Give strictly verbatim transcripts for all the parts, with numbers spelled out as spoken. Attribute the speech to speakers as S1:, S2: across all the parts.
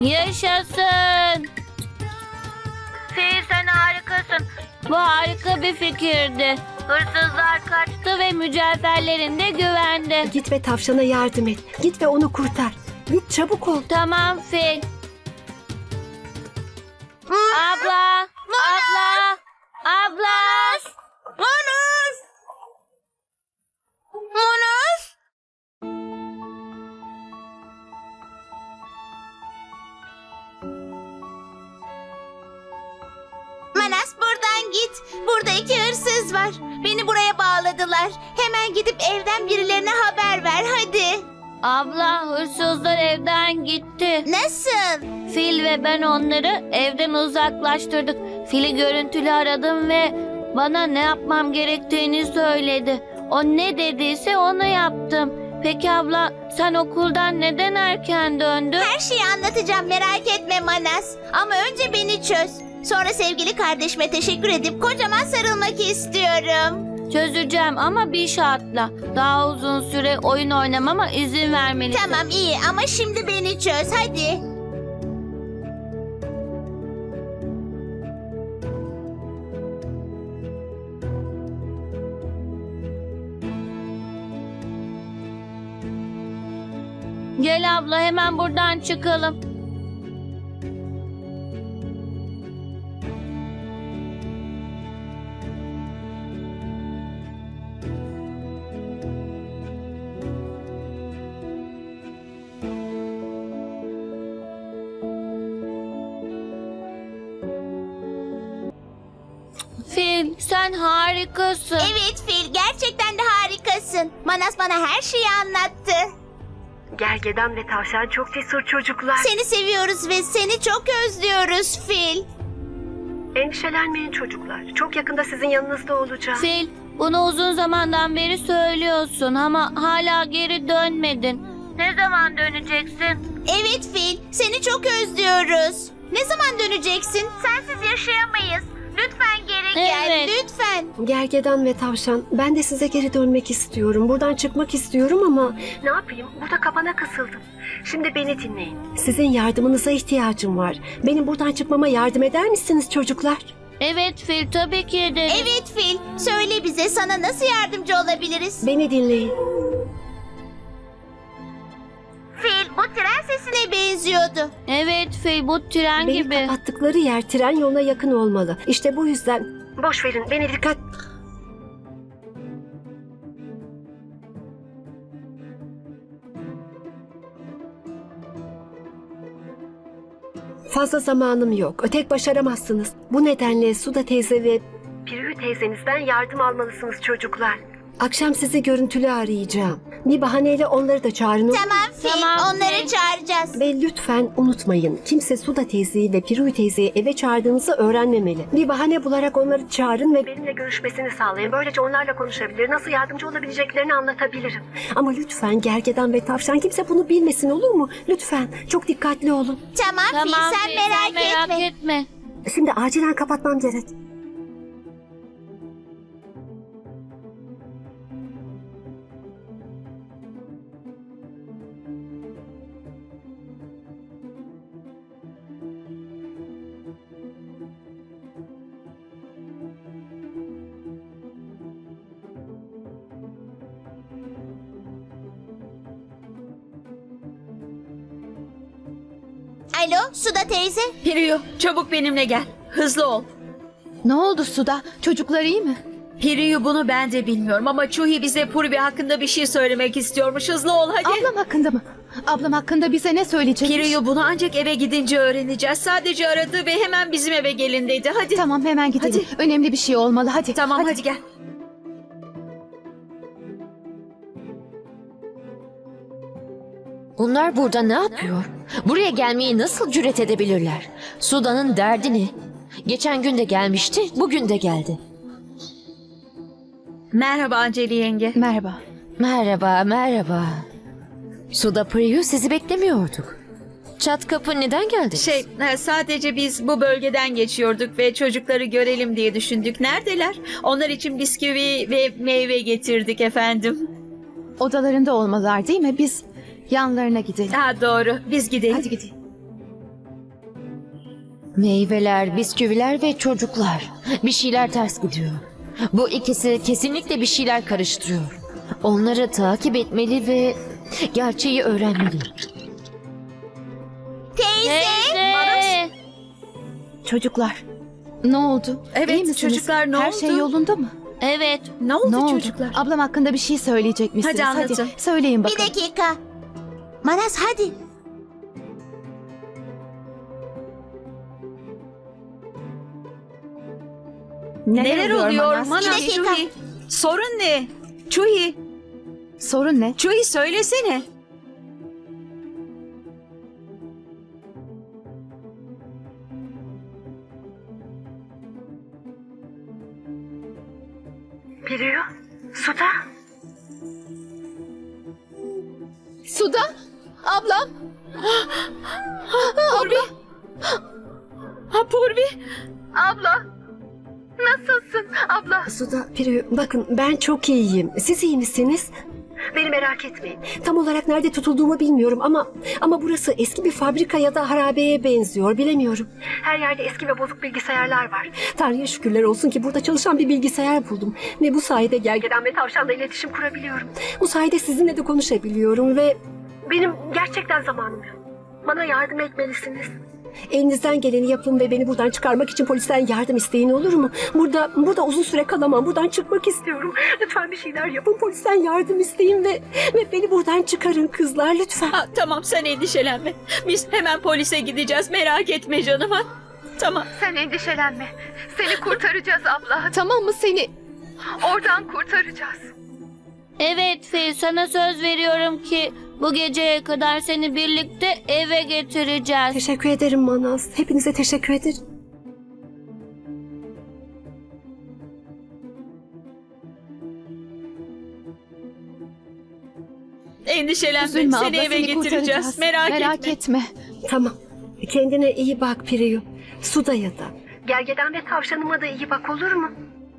S1: Yaşasın. Fil sen harikasın. Bu harika bir fikirdi. Hırsızlar kaçtı ve mücevherlerin de güvende.
S2: Git ve tavşana yardım et. Git ve onu kurtar. Git çabuk ol.
S1: Tamam Fil. Abla, abla, abla.
S3: Manus! Manus! Manas buradan git. Burada iki hırsız var. Beni buraya bağladılar. Hemen gidip evden birilerine haber ver hadi.
S1: Abla, hırsızlar evden gitti.
S3: Nasıl?
S1: Fil ve ben onları evden uzaklaştırdık. Fil'i görüntülü aradım ve bana ne yapmam gerektiğini söyledi. O ne dediyse onu yaptım. Peki abla, sen okuldan neden erken döndün?
S3: Her şeyi anlatacağım merak etme Manas. Ama önce beni çöz. Sonra sevgili kardeşime teşekkür edip kocaman sarılmak istiyorum.
S1: Çözeceğim ama bir şartla. Daha uzun süre oyun oynamama izin vermelisin.
S3: Tamam iyi ama şimdi beni çöz hadi.
S1: Gel abla, hemen buradan çıkalım. Fil, sen harikasın.
S3: Evet Fil gerçekten de harikasın. Manas bana her şeyi anlattı.
S2: Gergedan ve tavşan çok cesur çocuklar.
S3: Seni seviyoruz ve seni çok özlüyoruz Fil.
S2: Endişelenmeyin çocuklar. Çok yakında sizin yanınızda olacağım.
S1: Fil, bunu uzun zamandan beri söylüyorsun ama hala geri dönmedin. Ne zaman döneceksin?
S3: Evet Fil seni çok özlüyoruz. Ne zaman döneceksin? Sensiz yaşayamayız. Lütfen geri gel
S1: Evet.
S3: lütfen.
S2: Gergedan ve tavşan, ben de size geri dönmek istiyorum. Buradan çıkmak istiyorum ama... Ne yapayım? Burada kapana kısıldım. Şimdi beni dinleyin. Sizin yardımınıza ihtiyacım var. Benim buradan çıkmama yardım eder misiniz çocuklar?
S1: Evet Fil, tabii ki ederiz.
S3: Evet Fil söyle bize sana nasıl yardımcı olabiliriz?
S2: Beni dinleyin.
S3: Fil bu tren sesine benziyordu.
S1: Evet Fil, bu tren
S2: Beni
S1: gibi.
S2: kapattıkları yer tren yoluna yakın olmalı. İşte bu yüzden... Boş verin, beni dikkat... Fazla zamanım yok. Tek başaramazsınız. Bu nedenle Suda teyze ve Pirü teyzenizden yardım almalısınız çocuklar. Akşam sizi görüntülü arayacağım. Bir bahaneyle onları da çağırın.
S3: Tamam Fil
S1: Tamam,
S3: onları
S1: Fil.
S3: çağıracağız.
S2: Ve lütfen unutmayın. Kimse Suda teyzeyi ve Pirü teyzeyi eve çağırdığınızı öğrenmemeli. Bir bahane bularak onları çağırın ve benimle görüşmesini sağlayın. Böylece onlarla konuşabilir, nasıl yardımcı olabileceklerini anlatabilirim. Ama lütfen gergedan ve tavşan kimse bunu bilmesin, olur mu? Lütfen çok dikkatli olun.
S3: Tamam, Fil
S1: Tamam
S3: sen
S1: Fil,
S3: merak,
S1: sen merak
S3: etme.
S1: etme.
S2: Şimdi acilen kapatmam gerek.
S3: Alo Suda teyze.
S4: Piriyu, çabuk benimle gel. Hızlı ol.
S5: Ne oldu Suda? Çocuklar iyi mi?
S4: Piriyu, bunu ben de bilmiyorum ama Chuhi bize Purvi hakkında bir şey söylemek istiyormuş. Hızlı ol hadi.
S5: Ablam hakkında mı? Ablam hakkında bize ne söyleyecekmiş?
S4: Piriyu, bunu ancak eve gidince öğreneceğiz. Sadece aradı ve hemen bizim eve gelin dedi. Hadi.
S5: Tamam hemen gidelim. Önemli bir şey olmalı hadi.
S4: Tamam hadi, gel.
S6: Bunlar burada ne yapıyor? Buraya gelmeyi nasıl cüret edebilirler? Suda'nın derdi ne? Geçen gün de gelmişti, bugün de geldi.
S4: Merhaba Anceli yenge.
S5: Merhaba.
S6: Merhaba, merhaba. Suda Priyu, sizi beklemiyorduk. Çat kapı neden geldi?
S4: Şey, e, sadece biz bu bölgeden geçiyorduk ve çocukları görelim diye düşündük. Neredeler? Onlar için bisküvi ve meyve getirdik efendim.
S5: Odalarında olmalılar değil mi? Biz yanlarına gidelim.
S4: Ha doğru, biz gidelim.
S5: Hadi gidelim.
S6: Meyveler, bisküviler ve çocuklar. Bir şeyler ters gidiyor. Bu ikisi kesinlikle bir şeyler karıştırıyor. Onları takip etmeli ve gerçeği öğrenmeli.
S3: Teyze.
S1: Teyze.
S5: Çocuklar, ne oldu?
S4: Evet,
S5: İyi misiniz?
S4: çocuklar, ne
S5: Her
S4: oldu?
S5: şey yolunda mı?
S1: Evet.
S4: Ne oldu
S5: Ne oldu?
S4: çocuklar?
S5: Ablam hakkında bir şey söyleyecek misiniz?
S4: Hadi anlatın.
S5: söyleyin
S3: Bir
S5: bakalım.
S3: dakika. Manas hadi.
S4: Neler, oluyor
S5: Manas?
S4: Manas?
S3: Bir dakika.
S4: Chuhi. Sorun ne? Chuhi,
S5: Sorun ne?
S4: Chuhi söylesene.
S2: Piriyu, Suda.
S5: Suda, ablam.
S4: Purvi. Ha Purvi.
S2: Suda, Piriyu, bakın ben çok iyiyim. Siz iyi misiniz? Beni merak etmeyin. Tam olarak nerede tutulduğumu bilmiyorum ama ama burası eski bir fabrika ya da harabeye benziyor. Bilemiyorum. Her yerde eski ve bozuk bilgisayarlar var. Tanrı'ya şükürler olsun ki burada çalışan bir bilgisayar buldum. Ve bu sayede gergedan ve tavşanla iletişim kurabiliyorum. Bu sayede sizinle de konuşabiliyorum ve benim gerçekten zamanım yok. Bana yardım etmelisiniz. Elinizden geleni yapın ve beni buradan çıkarmak için polisten yardım isteyin, olur mu? Burada burada uzun süre kalamam. Buradan çıkmak istiyorum. Lütfen bir şeyler yapın. Polisten yardım isteyin ve ve beni buradan çıkarın kızlar lütfen.
S4: Ha, tamam sen endişelenme. Biz hemen polise gideceğiz. Merak etme canım. Ha? Tamam.
S7: Sen endişelenme. Seni kurtaracağız abla.
S5: Tamam mı seni?
S7: Oradan kurtaracağız.
S1: Evet Fil, sana söz veriyorum ki bu geceye kadar seni birlikte eve getireceğiz.
S2: Teşekkür ederim Manas. Hepinize teşekkür ederim.
S4: Endişelenme.
S5: Üzülme
S4: Seni
S5: abla,
S4: eve
S5: seni
S4: getireceğiz.
S5: kurtaracağız.
S4: Merak,
S5: Merak
S4: etme.
S5: etme.
S2: Tamam. Kendine iyi bak Piriyu. Suda'ya da. Gergedan ve tavşanıma da iyi bak, olur mu?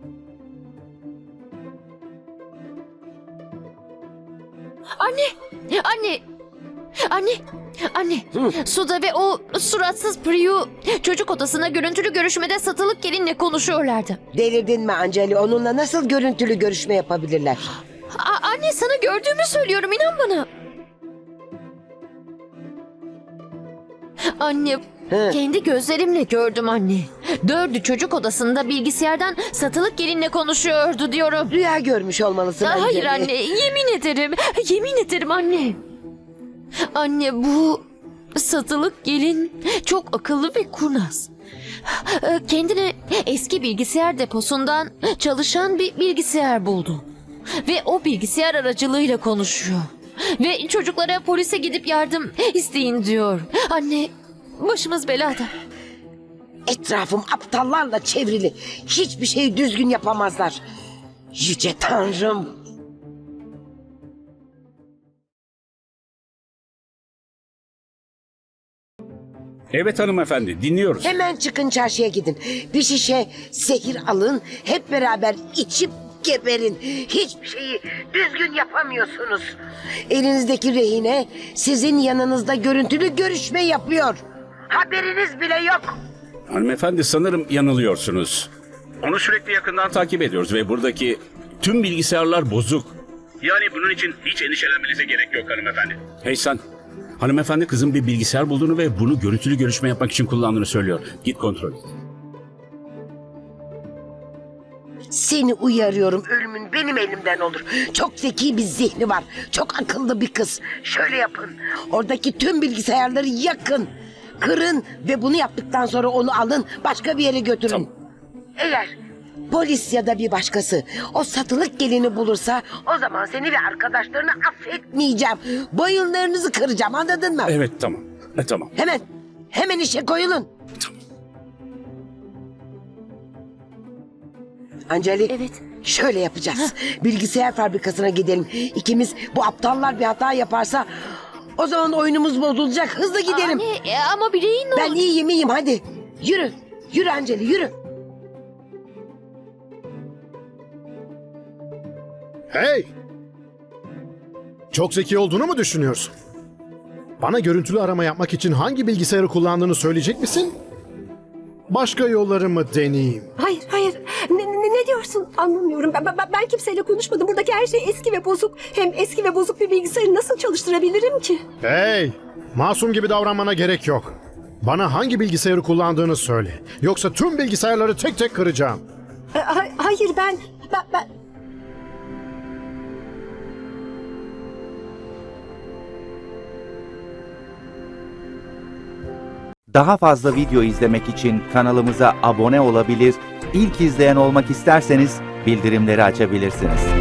S6: Anne! Anne! Anne! Anne! Suda ve o suratsız Priyu çocuk odasına görüntülü görüşmede satılık gelinle konuşuyorlardı.
S8: Delirdin mi Anceli? Onunla nasıl görüntülü görüşme yapabilirler?
S6: A- anne sana gördüğümü söylüyorum, inan bana. Anne,
S8: Hı.
S6: kendi gözlerimle gördüm anne. Dördü çocuk odasında bilgisayardan satılık gelinle konuşuyordu diyorum.
S8: Rüya görmüş olmalısın
S6: Aa, hayır
S8: Anceli.
S6: anne, yemin ederim. Yemin ederim anne. Anne, bu satılık gelin çok akıllı ve kurnaz. Ee, Kendine eski bilgisayar deposundan çalışan bir bilgisayar buldu. Ve o bilgisayar aracılığıyla konuşuyor. Ve çocuklara polise gidip yardım isteyin diyor. Anne, başımız belada.
S8: Etrafım aptallarla çevrili. Hiçbir şeyi düzgün yapamazlar. Yüce Tanrım.
S9: Evet hanımefendi, dinliyoruz.
S8: Hemen çıkın çarşıya gidin. Bir şişe zehir alın. Hep beraber içip geberin. Hiçbir şeyi düzgün yapamıyorsunuz. Elinizdeki rehine sizin yanınızda görüntülü görüşme yapıyor. Haberiniz bile yok.
S9: Hanımefendi, sanırım yanılıyorsunuz. Onu sürekli yakından takip ediyoruz ve buradaki tüm bilgisayarlar bozuk. Yani bunun için hiç endişelenmenize gerek yok hanımefendi. Hey sen, hanımefendi kızın bir bilgisayar bulduğunu ve bunu görüntülü görüşme yapmak için kullandığını söylüyor. Git kontrol et.
S8: Seni uyarıyorum, ölümün benim elimden olur. Çok zeki bir zihni var. Çok akıllı bir kız. Şöyle yapın. Oradaki tüm bilgisayarları yakın. Kırın ve bunu yaptıktan sonra onu alın, başka bir yere götürün.
S9: Tamam.
S8: Eğer polis ya da bir başkası o satılık gelini bulursa o zaman seni ve arkadaşlarını affetmeyeceğim. Boyunlarınızı kıracağım, anladın mı?
S9: Evet, tamam. E, tamam.
S8: Hemen, hemen işe koyulun. Anceli,
S6: Evet.
S8: şöyle yapacağız. Bilgisayar fabrikasına gidelim. İkimiz bu aptallar bir hata yaparsa o zaman oyunumuz bozulacak. Hızlı gidelim.
S6: Anne, e, ama bileğin ne
S8: Ben
S6: oldu?
S8: iyiyim iyiyim hadi. Yürü. Yürü Anceli yürü.
S10: Hey! Çok zeki olduğunu mu düşünüyorsun? Bana görüntülü arama yapmak için hangi bilgisayarı kullandığını söyleyecek misin? başka yolları mı deneyeyim?
S2: Hayır, hayır. Ne, ne, ne diyorsun? Anlamıyorum. Ben, ben, ben kimseyle konuşmadım. Buradaki her şey eski ve bozuk. Hem eski ve bozuk bir bilgisayarı nasıl çalıştırabilirim ki?
S10: Hey! Masum gibi davranmana gerek yok. Bana hangi bilgisayarı kullandığını söyle. Yoksa tüm bilgisayarları tek tek kıracağım.
S2: E, ha- hayır, ben... ben, ben...
S11: Daha fazla video izlemek için kanalımıza abone olabilir, ilk izleyen olmak isterseniz bildirimleri açabilirsiniz.